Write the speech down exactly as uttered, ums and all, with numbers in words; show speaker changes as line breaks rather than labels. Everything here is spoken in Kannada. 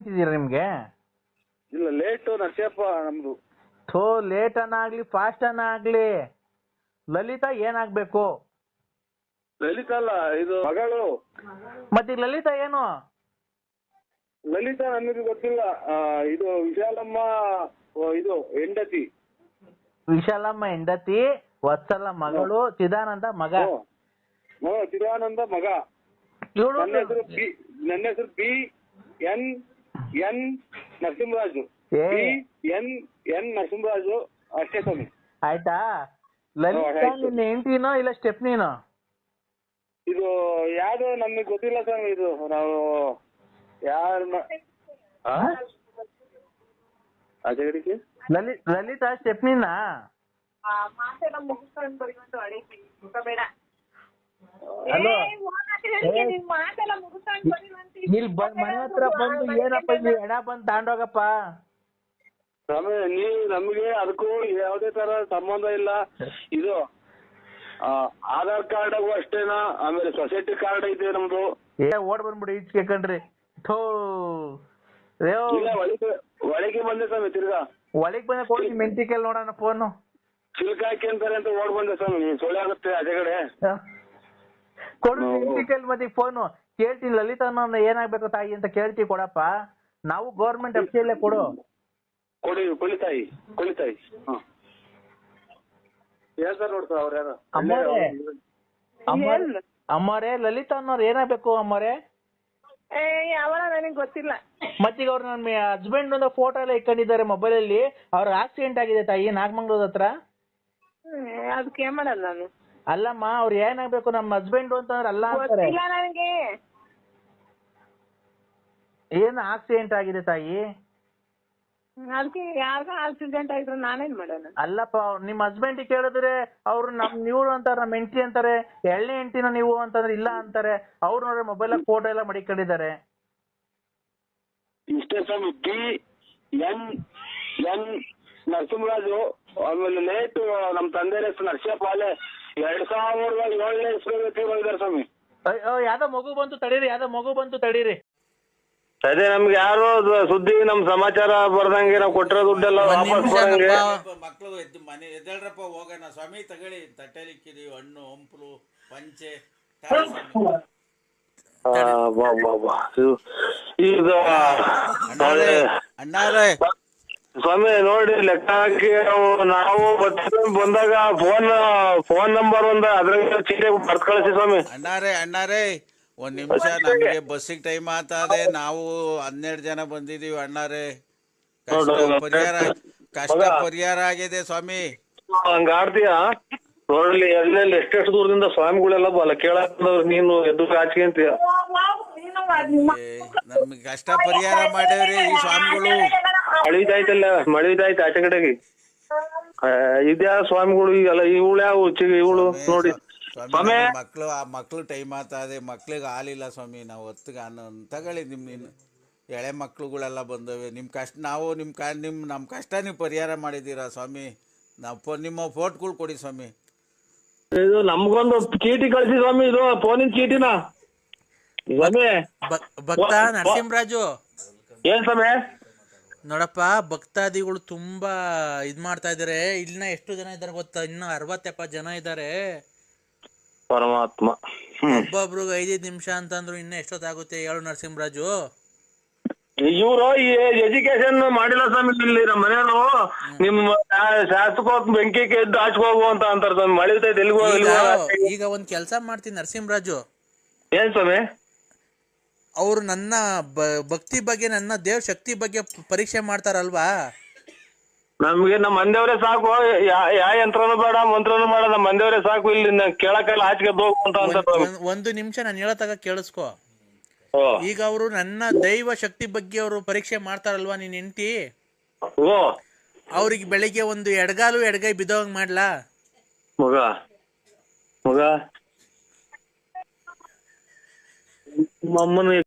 ಇದೀರಾ ನಿಮ್ಗೆ?
ಇಲ್ಲ ಲೇಟು ನರಸಿಯಪ್ಪ ನಮ್ದು.
ಥೋ ಲೇಟ್ ಅನ್ನ ಆಗ್ಲಿ ಫಾಸ್ಟ್ ಅನ್ನ ಆಗ್ಲಿ ಲಲಿತಾ ಏನಾಗ್ಬೇಕು?
ಲಲಿತಾ ಅಲ್ಲ, ಇದು ಮಗಳು.
ಮತ್ತೆ ಲಲಿತಾ ಏನು?
ಲಲಿತಾ ನಮಗೆ ಗೊತ್ತಿಲ್ಲ. ಆ, ಇದು ವಿಶಾಲಮ್ಮ ಓ, ಇದು ಹೆಂಡತಿ.
ವಿಶಾಲಮ್ಮ ಹೆಂಡತಿ, ವತ್ಸಲ ಮಗಳು, ಚಿದಾನಂದ ಮಗ.
ಹ್ಮ್, ಚಿದಾನಂದ ಮಗ.
ಇವಳು
ನನ್ನ ಹೆಸರು ಬಿ ನನ್ನ ಹೆಸರು ಬಿ ಎನ್ ಎನ್ ನರಸಿಂಹರಾಜು.
ಏ.
ಬಿ ಎನ್ ಎನ್ ನರಸಿಂಹರಾಜು ಅಷ್ಟೇ ಸ್ವಾಮಿ.
ಆಯ್ತಾ? ಲಲಿತಾ ನಿನ್ನ ಹೆಂಡತಿನೋ ಇಲ್ಲ ಸ್ಟೆಪ್ನಿನೋ?
ಇದು ಯಾವ್ದು ನಮಗೆ ಗೊತ್ತಿಲ್ಲ ಸ್ವಾಮಿ. ಇದು ನಾವು ಯಾರ ಅಜಗಡಿಗೆ
ಲಲಿ ಲಲಿತಾ ಸ್ಟೆಪ್ನಿನ? ಹಲೋ, ಇಲ್ಲಿ ಮನೆ ಹತ್ರ ಬಂದು ಏನಪ್ಪ ಇಲ್ಲಿ ಎಣ ಬಂದು ತಾಂಡೋಗಪ್ಪ.
ಸ್ವಾಮಿ ನೀವು ನಮಗೆ ಅದಕ್ಕೂ ಯಾವುದೇ ತರ ಸಂಬಂಧ ಇಲ್ಲ. ಇದು ಆಧಾರ್ ಕಾರ್ಡ್ ಅಷ್ಟೇನಾ? ಆಮೇಲೆ ಸೊಸೈಟಿ ಕಾರ್ಡ್ ಐತೆ ನಮ್ದು.
ಏ ಓಡ್ ಬಂದ್ಬಿಡಿ ಈಚೆ ಕಣ್ರಿ. ಥೋ
ಇಲ್ಲ, ಒಳಗೆ ಒಳಗೆ ಬಂದೆ ಸ್ವಾಮಿ. ತಿರ್ಗಾ
ಒಳಗ್ ಬಂದ ಕೊಡಿ ಮೆಂಟಿಕಲ್ ನೋಡೋಣ ಫೋನು.
ಸಿಲ್ಕ್ ಹಾಕಿ ಅಂತಾರೆ ಅಂತ ಓಡ್ ಬಂದೆ ಸ್ವಾಮಿ. ಸೊಳ್ಳೆ ಆಗುತ್ತೆ ಅಜಗಡೆ.
ಕೊಡು ಮೆಂಟಿಕಲ್ ಮತ್ತೆ ಫೋನು. ಕೇಳ್ತೀನಿ ಲಲಿತಾ ಅನ್ನೋ ಏನಾಗ್ಬೇಕು ತಾಯಿ ಅಂತ ಕೇಳ್ತೀವಿ, ಕೊಡಪ್ಪ. ನಾವು ಗೌರ್ಮೆಂಟ್ ಅಫಿಷಿಯಲ್ಲೇ ಕೊಡು.
ಕೊಡಿ, ಕೊಳಿತಾಯಿ ಕೊಳಿತಾಯಿ. ಹಾ ಹೇಳ್ತಾರೆ ನೋಡ್ತಾ ಅವ್ರ ಯಾರ
ಅಮ್ಮರೇ ಲಲಿತಾ ಅನ್ನೋರು ಏನಾಗ್ಬೇಕು ಅಮ್ಮರೇ?
ಯಾವಾಗ ನನಗೆ ಗೊತ್ತಿಲ್ಲ.
ಮತ್ತೀಗ ಅವ್ರು ನನ್ನ ಹಸ್ಬೆಂಡ್ ಒಂದು ಫೋಟೋ ಎಲ್ಲ ಇಟ್ಕೊಂಡಿದ್ದಾರೆ ಮೊಬೈಲ್ ಅಲ್ಲಿ. ಅವ್ರ ಆಕ್ಸಿಡೆಂಟ್ ಆಗಿದೆ ತಾಯಿ, ನಾಗಮಂಗ್ಳೂರ್ ಹತ್ರ.
ಅದಕ್ಕೆ ಏನ್ ಮಾಡಲ್ಲ ನಾನು.
ಅಲ್ಲಮ್ಮ, ಅವ್ರು ಏನಾಗ್ಬೇಕು ನಮ್ಮ ಹಸ್ಬೆಂಡ್ ಅಂತಂದ್ರೆ ಅಲ್ಲ ಅಂತಾರೆ.
ನನಗೆ
ಏನು ಆಕ್ಸಿಡೆಂಟ್ ಆಗಿದೆ ತಾಯಿ?
ಅದಕ್ಕೆ ಯಾವಾಗ ಆಕ್ಸಿಡೆಂಟ್ ಆಗಿದ್ರು ನಾನೇನ್ ಮಾಡೋಣ?
ಅಲ್ಲಪ್ಪ, ನಿಮ್ ಹಸ್ಬೆಂಡ್ ಕೇಳಿದ್ರೆ ಅವ್ರು ನಮ್ ನೀವು ಅಂತಾರೆ, ನಮ್ ಹೆಂಡತಿ ಅಂತಾರೆ. ಎಳ್ಳೆ ಹೆಂಡತಿನ ನೀವು ಅಂತಂದ್ರೆ ಇಲ್ಲ ಅಂತಾರೆ. ಅವ್ರು ನೋಡ್ರೆ ಮೊಬೈಲ್ ಫೋಟೋ ಎಲ್ಲ ಮಡಿಕೊಂಡಿದ್ದಾರೆ.
ಇಷ್ಟೇ ಸ್ವಾಮಿ. B N N Narasimharaju. ಆಮೇಲೆ ಲೇಟ್ ನಮ್ ತಂದೆ ಹೆಸರು ನರಸಿಯಪ್ಪ. ಅಲ್ಲೇ ಎರಡ್ ಸಾವಿರದ ಏಳನೇ ಇಸ್ವಿದ್ದಾರೆ ಸ್ವಾಮಿ.
ಯಾವ್ದೋ ಮಗು ಬಂತು ತಡೀರಿ, ಯಾವ್ದೋ ಮಗು ಬಂತು ತಡೀರಿ.
ಅದೇ ನಮ್ಗೆ ಯಾರು ಸುದ್ದಿ ನಮ್ ಸಮಾಚಾರ ಬರ್ದಂಗೆ ನಾವು ಕೊಟ್ಟಿರೋ ದುಡ್ಡೆಲ್ಲ ವಾಪಸ್ ಬರಂಗೆ.
ಮಕ್ಕಳು ಎದ್ದು ಮನೆ ಎದ್ದೇಳ್ರಪ್ಪ ಹೋಗೋಣ ಸ್ವಾಮಿ. ತಗೊಳ್ಳಿ ತಟ್ಟೆಲಿಕ್ಕಿದೀವಿ ಹಣ್ಣು ಹಂಪಲು ಪಂಚೆ.
ಈಗ
ಅಣ್ಣಾರೇ
ಸ್ವಾಮಿ ನೋಡಿ ಲೆಕ್ಕ ಹಾಕಿ ನಾವು ಬಂದಾಗ ಫೋನ್ ಫೋನ್ ನಂಬರ್ ಒಂದ ಅದ್ರಾಗ ಚೀಟಿ ಬರ್ತ್ ಕಳಿಸಿ ಸ್ವಾಮಿ.
ಅಣ್ಣಾರೇ ಅಣ್ಣಾರೇ ಒಂದ್ ನಿಮಿಷ, ನಮ್ಗೆ ಬಸ್ಸಿಗೆ ಟೈಮ್ ಆಗ್ತದೆ. ನಾವು ಹನ್ನೆರಡು ಜನ ಬಂದಿದೀವಿ ಅಣ್ಣಾರೇ. ಕಷ್ಟ ಪರಿಹಾರ ಕಷ್ಟ ಪರಿಹಾರ ಆಗಿದೆ ಸ್ವಾಮಿ.
ಹಂಗ ಆಡ್ತೀಯಾ? ನೋಡ್ಲಿ ಎಲ್ಲೆಲ್ಲಿ ಎಷ್ಟೆಷ್ಟು ದೂರದಿಂದ ಸ್ವಾಮಿಗಳೆಲ್ಲ ಬಲ್ಲ ಕೇಳಾಕಂದವ್ರು ನೀನು ಎದ್ದು ಆಚೆ ಅಂತೀಯ.
ನಮ್ಗೆ ಕಷ್ಟ ಪರಿಹಾರ ಮಾಡ್ಯವ್ರಿ ಈ ಸ್ವಾಮಿಗಳು.
ಮಳಿದಾಯ್ತಲ್ಲ, ಮಳಿದಾಯ್ತು ಆಚೆ ಕಡೆಗೆ. ಇದ್ಯಾ ಸ್ವಾಮಿಗಳು ಈಗಲ್ಲ, ಇವಳು ಯಾವ ಇವಳು ನೋಡಿ
ಸ್ವಾಮಿ. ಮಕ್ಳು ಆ ಮಕ್ಳು ಟೈಮ್ ಆಗ್ತದೆ, ಮಕ್ಳಿಗೆ ಹಾಲಿಲ್ಲ ಸ್ವಾಮಿ. ನಾವು ಹೊತ್ತಿಗೆ ಅನ್ನ ತಗೊಳ್ಳಿ. ನಿಮ್ ನಿನ್ ಎಳೆ ಮಕ್ಳುಗಳೆಲ್ಲ ಬಂದವೆ. ನಿಮ್ ಕಷ್ಟ ನಾವು ನಿಮ್ ಕ ನಿಮ್ ನಮ್ ಕಷ್ಟ ನೀವು ಪರಿಹಾರ ಮಾಡಿದ್ದೀರಾ ಸ್ವಾಮಿ. ನಾವು ನಿಮ್ಮ ಫೋಟೋಗಳು ಕೊಡಿ ಸ್ವಾಮಿ.
ಇದು ನಮ್ಗೊಂದು ಚೀಟಿ ಕಳಿಸಿ ಸ್ವಾಮಿ. ಇದು ಫೋನಿನ ಚೀಟಿನ ಸ್ವಾಮಿ.
ಭಕ್ತ ನರಸಿಂಹರಾಜು
ಏನ್ ಸ್ವಾಮಿ?
ನೋಡಪ್ಪ, ಭಕ್ತಾದಿಗಳು ತುಂಬಾ ಇದ್ ಮಾಡ್ತಾ ಇದಾರೆ. ಇನ್ನ ಎಷ್ಟು ಜನ ಇದಾರೆ ಗೊತ್ತಾ? ಇನ್ನು ಅರವತ್ ಎಪ್ಪತ್ ಜನ ಇದಾರೆ.
ಪರಮಾತ್ಮ.
ಒಬ್ಬೊಬ್ರಿಗೆ ಐದೈದು ನಿಮಿಷ ಅಂತಂದ್ರು ಇನ್ನ ಎಷ್ಟೊತ್ತಾಗುತ್ತೆ ಹೇಳು ನರಸಿಂಹರಾಜು?
ಇವ್ರು ಈ ಎಜುಕೇಶನ್ ಮಾಡಿಲ್ಲ ಸ್ವಾಮಿ. ಇಲ್ಲಿ ನಮ್ಮ ಮನೆಯವರು ನಿಮ್ಮ ಶಾಸಕ ಬೆಂಕಿ ಎದ್ದು ಹಾಚ್ಕೋಗು ಅಂತ ಅಂತಾರ ಸ್ವಾಮಿ. ಮಳೆ ಎಲ್ಗೋ
ಈಗ ಒಂದ್ ಕೆಲ್ಸ ಮಾಡ್ತೀನಿ ನರಸಿಂಹರಾಜು.
ಏನ್ ಸ್ವಾಮಿ?
ಅವ್ರು ನನ್ನ ಭಕ್ತಿ ಬಗ್ಗೆ, ನನ್ನ ದೇವ್ ಶಕ್ತಿ ಬಗ್ಗೆ ಪರೀಕ್ಷೆ ಮಾಡ್ತಾರಲ್ವಾ?
ನಮ್ಗೆ ನಮ್ಮ ಮಂದೇವ್ರೆ ಸಾಕು. ಯಾ ಯಂತ್ರನು ಬೇಡ, ಮಂತ್ರನು ಬೇಡ. ನಮ್ಮ ಮಂದೇವ್ರೆ ಸಾಕು. ಇಲ್ಲಿ ಕೇಳಕ್ಕೆಲ್ಲ ಆಚೆಗೆ ಹೋಗು ಅಂತ ಅಂತ.
ಒಂದು ನಿಮಿಷ ನಾನು ಹೇಳತ್ತಾಗ ಕೇಳಿಸ್ಕೊ. ಈಗ ಅವರು ನನ್ನ ದೈವ ಶಕ್ತಿ ಬಗ್ಗೆ ಅವರು ಪರೀಕ್ಷೆ ಮಾಡ್ತಾರಲ್ವಾ ನಿನ್ ಹೆಂಡತಿ? ಅವ್ರಿಗೆ ಬೆಳಿಗ್ಗೆ ಒಂದು ಎಡಗಾಲು ಎಡಗೈ ಬಿದ್ದೋಗ್ ಮಾಡ್ಲಾ?
ಮಗ ಮಗ ಮಮ್ಮನ